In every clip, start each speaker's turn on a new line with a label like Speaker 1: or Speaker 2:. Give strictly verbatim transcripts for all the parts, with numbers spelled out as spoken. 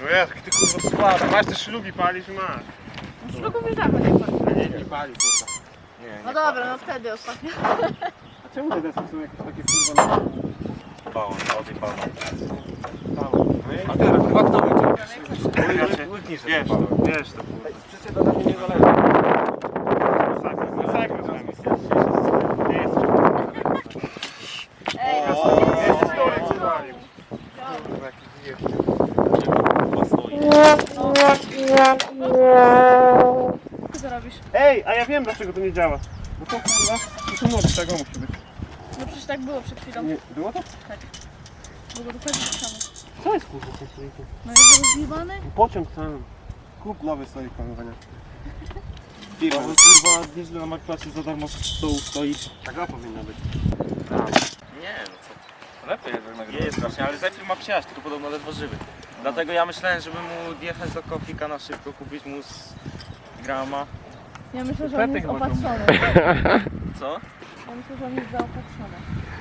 Speaker 1: No jak ty kurwa słaba, masz te szlugi palisz i masz.
Speaker 2: No szlugów już dawno nie pali.
Speaker 1: A nie, nie pali kurwa. Nie, nie
Speaker 2: No dobra, no wtedy ostatnio.
Speaker 1: A czemu te deski są jakieś takie kurwa? Bałon, od i bałon. A teraz chyba kto będzie? Łyknisz wiesz to, wiesz to kurwa. Przecież to na mnie nie zależy. Masakra, masakra dla mnie. Nie jest.
Speaker 2: Ej,
Speaker 1: Ja
Speaker 2: no
Speaker 1: sobie
Speaker 2: to
Speaker 1: jest stolek zwalił. Kurwa jaki zjebcie.
Speaker 2: Co ty robisz?
Speaker 1: Ej, a ja wiem dlaczego to nie działa. Bo to kurwa, to noc tego musi być.
Speaker 2: No przecież tak było przed chwilą.
Speaker 1: Nie, było to?
Speaker 2: Tak. Było dokładnie tak samo.
Speaker 1: Co jest kurwa w tym stoliku?
Speaker 2: No jest rozjebany?
Speaker 1: Pociąg sam. Kup nowy stolik panowania. Firma. Bo kurwa nieźle na makwacie za darmo stołu stoi. Tak to powinno być.
Speaker 3: Nie, no co? Lepiej jednak nagrywać. Jest właśnie, ale Zephyr ma przyjaźń, tylko podobno ledwo żywy. Dlatego ja myślałem, żeby mu jechać do Kofika na szybko, kupić mu z grama.
Speaker 2: Ja myślę, że on jest opatrzony.
Speaker 3: Co?
Speaker 2: Ja myślę, że on jest zaopatrzony.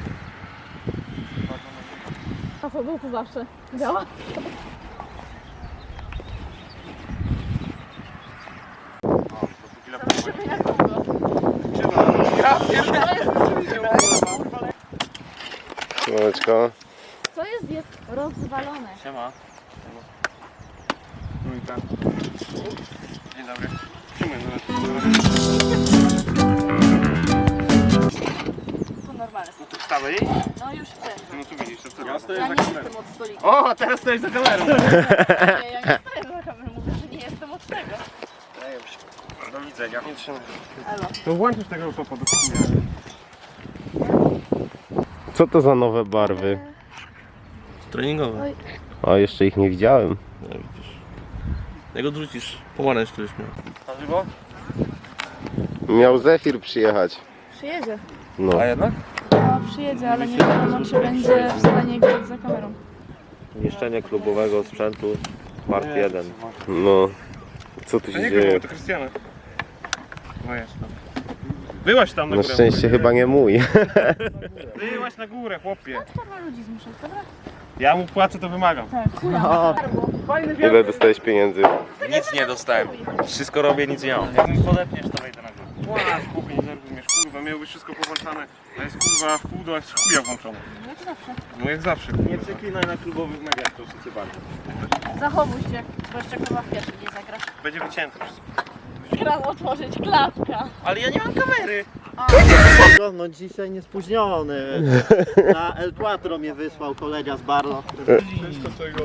Speaker 2: A co był tu zawsze? Działa? Zobaczymy jak długo.
Speaker 1: Ja pierdolę.
Speaker 4: Słoneczko.
Speaker 2: Co jest? Jest rozwalone.
Speaker 3: Siema.
Speaker 1: Trójka. Dzień dobry. Czemu
Speaker 2: To normalne.
Speaker 1: no to wstawaj.
Speaker 2: No już chcę.
Speaker 1: No tu widzisz, to co? Ja
Speaker 2: Ja
Speaker 1: stoję
Speaker 2: nie
Speaker 1: za
Speaker 2: jestem
Speaker 1: kamerą.
Speaker 2: od stolika.
Speaker 1: O, a teraz stoisz za kamerą.
Speaker 2: Nie, ja nie stoję za kamerą. Mówię, że nie jestem od tego.
Speaker 3: Do widzenia.
Speaker 1: Nie trzymaj.
Speaker 2: Elo.
Speaker 1: To włączysz tego topa do chuja.
Speaker 4: Co to za nowe barwy?
Speaker 3: Treningowe.
Speaker 2: Oj.
Speaker 4: O, jeszcze ich nie widziałem.
Speaker 3: No widzisz. Jak odrzucisz, pomarańcz któryś miał. Na żywo?
Speaker 4: Miał Zephyr przyjechać.
Speaker 2: Przyjedzie.
Speaker 4: No.
Speaker 3: A jednak?
Speaker 2: No, przyjedzie, ale nie wiadomo, czy będzie w stanie grać za kamerą.
Speaker 3: Niszczenie klubowego sprzętu, part jeden.
Speaker 4: No. Co tu
Speaker 1: To
Speaker 4: się
Speaker 1: nie było,
Speaker 4: dzieje?
Speaker 1: to Krystiana. No jest tam. Byłaś tam na
Speaker 4: Na
Speaker 1: górę.
Speaker 4: szczęście chyba nie mój.
Speaker 1: Byłaś na górę, chłopie.
Speaker 2: Kurwa ludzi zmuszać, dobra?
Speaker 1: Ja mu płacę, to wymagam.
Speaker 2: Tak, kurwa.
Speaker 1: Fajny
Speaker 4: Ile dostałeś pieniędzy?
Speaker 3: Nic nie dostałem. Wszystko robię, nic nie mam. Jak mi podepniesz, to wejdę na górę.
Speaker 1: Płacz, chłopie, nie zrozumiesz, kurwa, miało być wszystko powłączane. A jest kurwa w pół do jest chuja włączone.
Speaker 2: No jak zawsze.
Speaker 1: No jak zawsze, kurwa.
Speaker 3: Nie przeklinaj na klubowych mediach, proszę cię bardzo.
Speaker 2: Zachowuj się, bo jeszcze kurwa w pierwszy nie zagrasz.
Speaker 1: Będzie wycięte wszystko.
Speaker 2: Kran otworzyć, klatka.
Speaker 3: Ale ja nie mam kamery.
Speaker 5: No dzisiaj niespóźniony. Na El Quattro mnie wysłał kolega z Barlo.
Speaker 1: Wszystko czego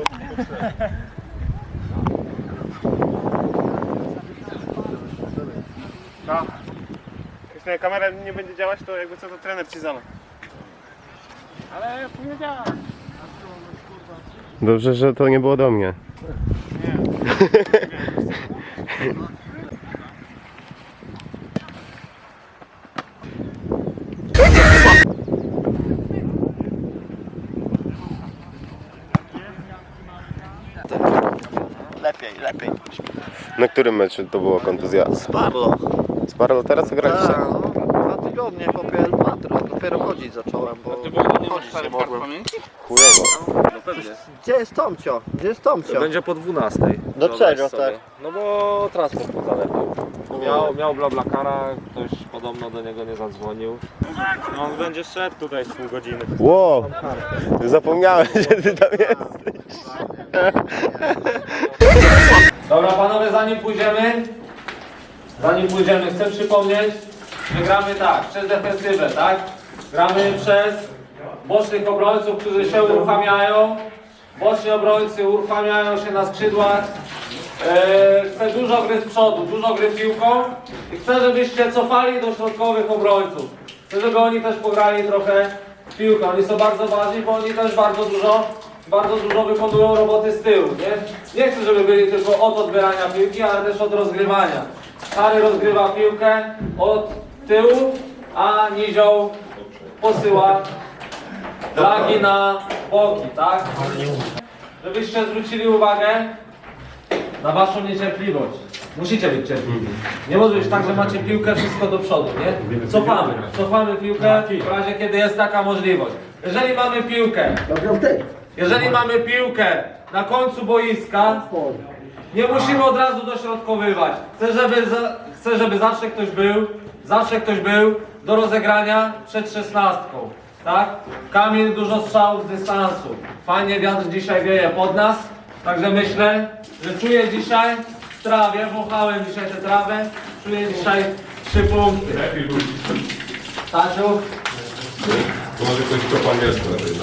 Speaker 1: No. Jeśli kamera nie będzie działać, to jakby co, to trener ci zala. Ale powiedziałem.
Speaker 4: Dobrze, że to nie było do mnie.
Speaker 1: Nie.
Speaker 5: Lepiej, lepiej.
Speaker 4: Na którym meczu to była kontuzja?
Speaker 5: Z Barlo.
Speaker 4: Z Barlo teraz graliście?
Speaker 5: Tak, no, dwa tygodnie po El Quattro. Dopiero chodzić zacząłem, bo chodzić nie mogłem.
Speaker 4: Chujowo.
Speaker 3: No pewnie.
Speaker 5: Gdzie jest Tomcio? Gdzie jest Tomcio?
Speaker 3: Będzie po dwunastej.
Speaker 5: Do
Speaker 3: Wyobraź
Speaker 5: czego
Speaker 3: sobie.
Speaker 5: tak?
Speaker 3: No bo transport mu zalepił. Miał, miał blablakara, ktoś podobno do niego nie zadzwonił. No on będzie szedł tutaj z pół godziny.
Speaker 4: Wow! Zapomniałem, że ty tam jesteś.
Speaker 6: Dobra panowie, zanim pójdziemy, zanim pójdziemy, chcę przypomnieć, że gramy tak, przez defensywę, tak? Gramy przez bocznych obrońców, którzy się uruchamiają. Boczni obrońcy uruchamiają się na skrzydłach. Eee, chcę dużo gry z przodu, dużo gry piłką i chcę, żebyście cofali do środkowych obrońców. Chcę, żeby oni też pograli trochę w piłkę. Oni są bardzo ważni, bo oni też bardzo dużo, bardzo dużo wykonują roboty z tyłu, nie? Nie chcę, żeby byli tylko od odbierania piłki, ale też od rozgrywania. Harry rozgrywa piłkę od tyłu, a Nizioł posyła flagi na boki, tak? Żebyście zwrócili uwagę na waszą niecierpliwość. Musicie być cierpliwi. Nie może być tak, że macie piłkę wszystko do przodu, nie? Cofamy. Cofamy piłkę w razie, kiedy jest taka możliwość. Jeżeli mamy piłkę Jeżeli mamy piłkę na końcu boiska, nie musimy od razu dośrodkowywać. Chcę, żeby, za, chcę, żeby zawsze ktoś był, zawsze ktoś był do rozegrania przed szesnastką. Tak? Kamil, dużo strzałów z dystansu. Fajnie wiatr dzisiaj wieje pod nas. Także myślę, że czuję dzisiaj w trawie, wąchałem dzisiaj tę trawę, czuję dzisiaj trzy punkty. Stasiu?
Speaker 7: Może ktoś to po angielsku napisał.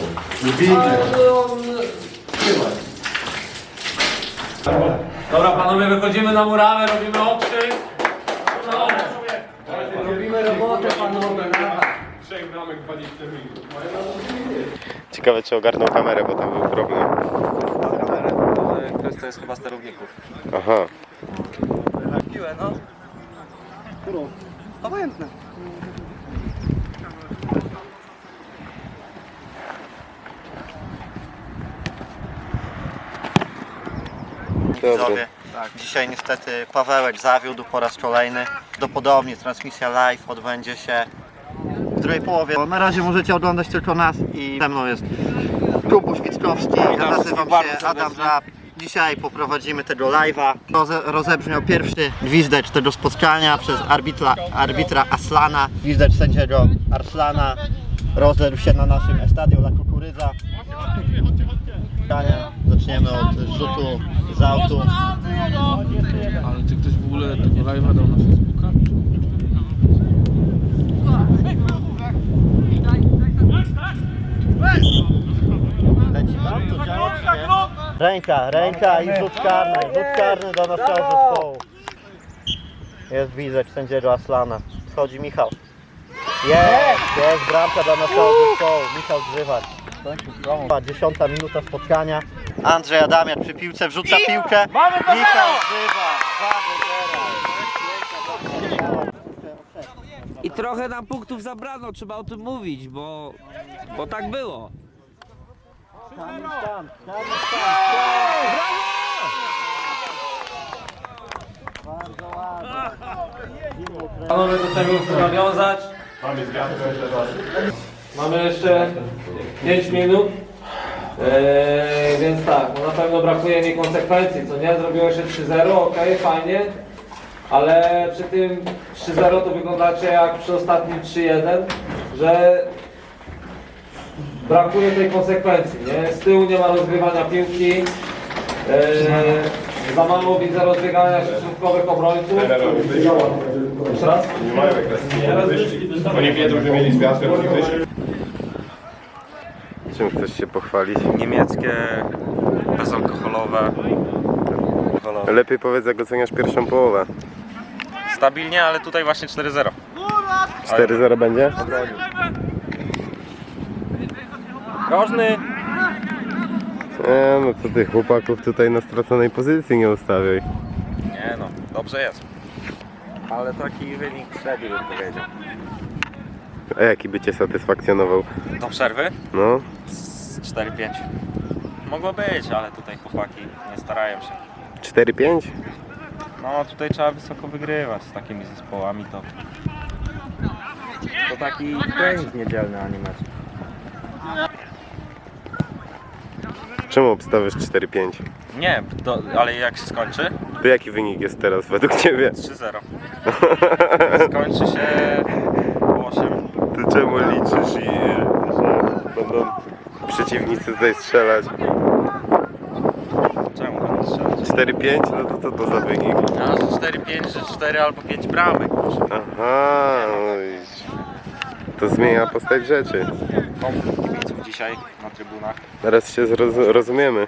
Speaker 6: Dobra panowie, wychodzimy na murawę, robimy okrzyk. No. Robimy robotę panowie.
Speaker 7: Trzech bramek dwadzieścia minut.
Speaker 4: Ciekawe, czy ogarnął kamerę, bo tam był problem.
Speaker 3: Kwestia jest chyba sterowników.
Speaker 4: Aha.
Speaker 3: Piłę, no.
Speaker 5: Którą?
Speaker 3: Obojętne.
Speaker 5: Widzowie, dzisiaj niestety Pawełek zawiódł po raz kolejny. Prawdopodobnie transmisja live odbędzie się w drugiej połowie. Na razie możecie oglądać tylko nas i ze mną jest Kubuś Wickowski, ja nazywam się Adam Żab. Dzisiaj poprowadzimy tego live'a. Roze, rozebrzmiał pierwszy gwizdecz tego spotkania przez arbitra, arbitra Aslana. Gwizdecz sędziego Arslana rozległ się na naszym Estadio La Kukurydza. Zaczniemy od rzutu z autu.
Speaker 8: Ale czy ktoś w ogóle tego live'a dał na Facebooka?
Speaker 5: Leci tam, to działa, czy nie? Ręka, ręka i rzut karny. Rzut karny do naszego zespołu. Jest gwizdecz sędziego Aslana. Wchodzi Michał. Jest, jest bramka dla naszego zespołu. Michał Grzywacz. Dziesiąta minuta spotkania. Andrzej Adamiak przy piłce wrzuca piłkę. Michał Grzywacz.
Speaker 8: I trochę nam punktów zabrano, trzeba o tym mówić, bo, bo tak było.
Speaker 5: Bardzo ładnie.
Speaker 6: Panowie, do czego chcę nawiązać?
Speaker 7: Mamy zwiadkę teraz.
Speaker 6: Mamy jeszcze pięć minut. Eee, więc tak, no na pewno brakuje mi konsekwencji, co nie? Zrobiło się trzy zero, ok, fajnie. Ale przy tym trzy zero to wyglądacie jak przy ostatnim trzy jeden, że brakuje tej konsekwencji, nie? Z tyłu nie ma rozgrywania piłki. Eee, za mało widzę rozbiegania się środkowych obrońców. Jeszcze raz?
Speaker 7: Nie mają jak teraz wyszli. Oni wiedzą, że mieli zwiadkę, oni wyszli.
Speaker 4: Czym chcesz się pochwalić?
Speaker 3: Niemieckie, bezalkoholowe.
Speaker 4: Lepiej powiedz, jak oceniasz pierwszą połowę.
Speaker 3: Stabilnie, ale tutaj właśnie cztery zero.
Speaker 4: cztery zero będzie?
Speaker 3: Groźny.
Speaker 4: E, no co ty, chłopaków tutaj na straconej pozycji nie ustawiaj.
Speaker 3: Nie no, dobrze jest. Ale taki wynik średni bym powiedział.
Speaker 4: A jaki by cię satysfakcjonował?
Speaker 3: Do przerwy?
Speaker 4: No,
Speaker 3: cztery pięć. Mogło być, ale tutaj chłopaki nie starają się.
Speaker 4: cztery pięć?
Speaker 3: No tutaj trzeba wysoko wygrywać z takimi zespołami, to... To taki trening niedzielny, a nie mecz.
Speaker 4: Czemu obstawiasz cztery pięć?
Speaker 3: Nie, to, ale jak się skończy?
Speaker 4: To jaki wynik jest teraz według ciebie?
Speaker 3: trzy zero. Skończy się osiem.
Speaker 4: To czemu liczysz i że będą przeciwnicy tutaj strzelać?
Speaker 3: Czemu będą strzelać?
Speaker 4: cztery pięć? No to co to za wynik?
Speaker 3: A, że cztery pięć, że cztery albo pięć bramek.
Speaker 4: Aha, no i to zmienia postać rzeczy.
Speaker 3: Pomógł kibiców dzisiaj na trybunach.
Speaker 4: Teraz się zroz- rozumiemy.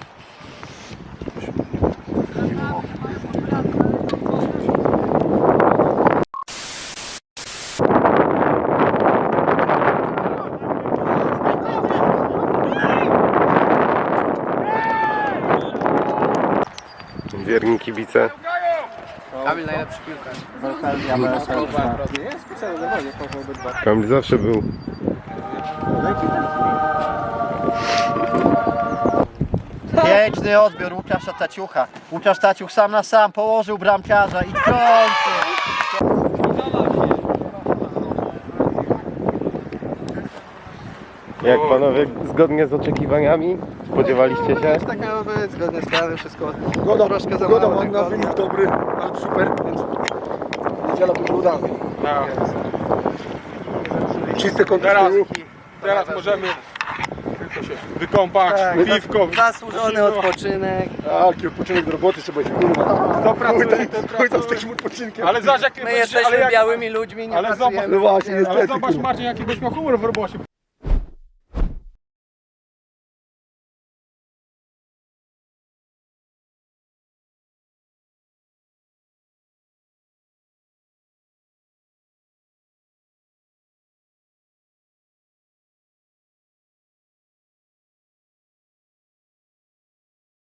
Speaker 4: Wierni kibice.
Speaker 8: Kamil najlepszy piłkarz.
Speaker 4: Kamil zawsze był.
Speaker 5: Piękny odbiór Łukasza Taciucha. Łukasz Taciuch sam na sam położył bramkarza i kończy.
Speaker 4: Jak panowie, zgodnie z oczekiwaniami? Spodziewaliście się?
Speaker 5: Tak miało być, zgodnie z planem, wszystko
Speaker 9: Goda,
Speaker 5: troszkę za
Speaker 9: goda
Speaker 5: mało
Speaker 9: ładna,
Speaker 5: tygodnia.
Speaker 9: wynik dobry, ale super, więc niedziela będzie udana. Czyste konto
Speaker 1: Teraz,
Speaker 9: z tyłu.
Speaker 1: teraz możemy tylko się wykąpać,
Speaker 5: Tak,
Speaker 1: piwko.
Speaker 5: Zasłużony odpoczynek.
Speaker 9: Taki odpoczynek do roboty trzeba się kurwa.
Speaker 1: Kto pracuje, ten
Speaker 9: Chuj tam z takim odpoczynkiem.
Speaker 1: Ale zobacz jak
Speaker 5: My jesteśmy
Speaker 1: ale jak,
Speaker 5: białymi ludźmi, nie
Speaker 1: ale
Speaker 5: pracujemy.
Speaker 1: zobacz,
Speaker 9: No właśnie,
Speaker 1: ale
Speaker 9: niestety.
Speaker 1: zobacz
Speaker 9: kurwa.
Speaker 1: Marcin jaki byś miał humor w robocie.